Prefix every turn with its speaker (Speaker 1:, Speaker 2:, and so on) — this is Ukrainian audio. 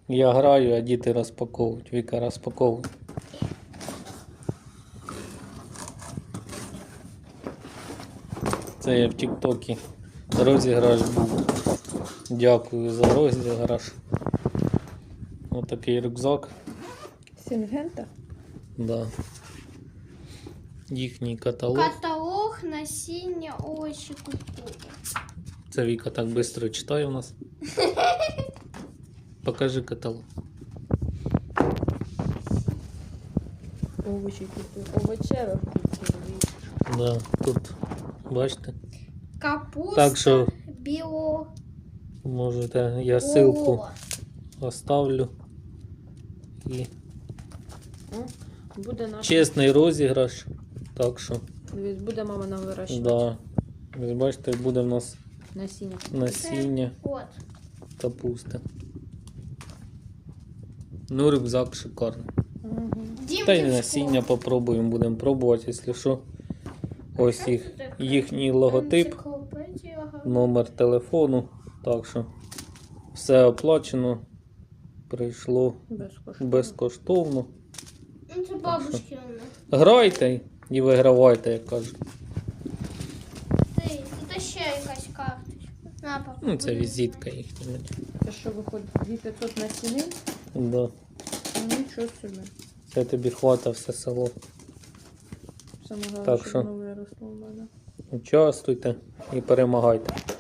Speaker 1: Я граю, а діти розпаковують. Віка розпаковує. Це я в тік-токі розіграш був. Дякую за розіграш. Отакий рюкзак.
Speaker 2: Сінгента?
Speaker 1: Да. Їхній каталог.
Speaker 3: Каталог, насіння, овочі, культури.
Speaker 1: Це Віка так швидко читає у нас. Покажи каталог.
Speaker 2: Овочі, овочева культура.
Speaker 1: Да, тут, бачите?
Speaker 3: Капуста,
Speaker 1: Так що
Speaker 3: біло.
Speaker 1: можете, я ссылку
Speaker 3: О,
Speaker 1: оставлю. І
Speaker 2: Буде наш.
Speaker 1: чесний розіграш. Так що,
Speaker 2: Дивись, буде мама нам вирощувати.
Speaker 1: да. Ви бачите, буде в нас
Speaker 2: Насіння.
Speaker 1: насіння
Speaker 3: От.
Speaker 1: капусти. Ну, рюкзак шикарний.
Speaker 2: Угу.
Speaker 1: Та й насіння попробуємо, будемо пробувати, якщо що. Ось їхній логотип,
Speaker 3: Енциклопедія.
Speaker 1: номер телефону. Так що все оплачено. Прийшло
Speaker 2: Безкоштовно.
Speaker 1: безкоштовно.
Speaker 3: Ну, це бабушкина.
Speaker 1: Грайте і вигравайте, як кажуть.
Speaker 3: Тут ще якась карточка. На, папа.
Speaker 1: Ну, це візитка їхня.
Speaker 2: Це що виходить? 2500 насінин?
Speaker 1: Да.
Speaker 2: Ну, нічого собі.
Speaker 1: Це тобі хвата все село.
Speaker 2: Саме головне,
Speaker 1: Так
Speaker 2: щоб
Speaker 1: що?
Speaker 2: воно виросло в мене.
Speaker 1: Участвуйте і перемагайте.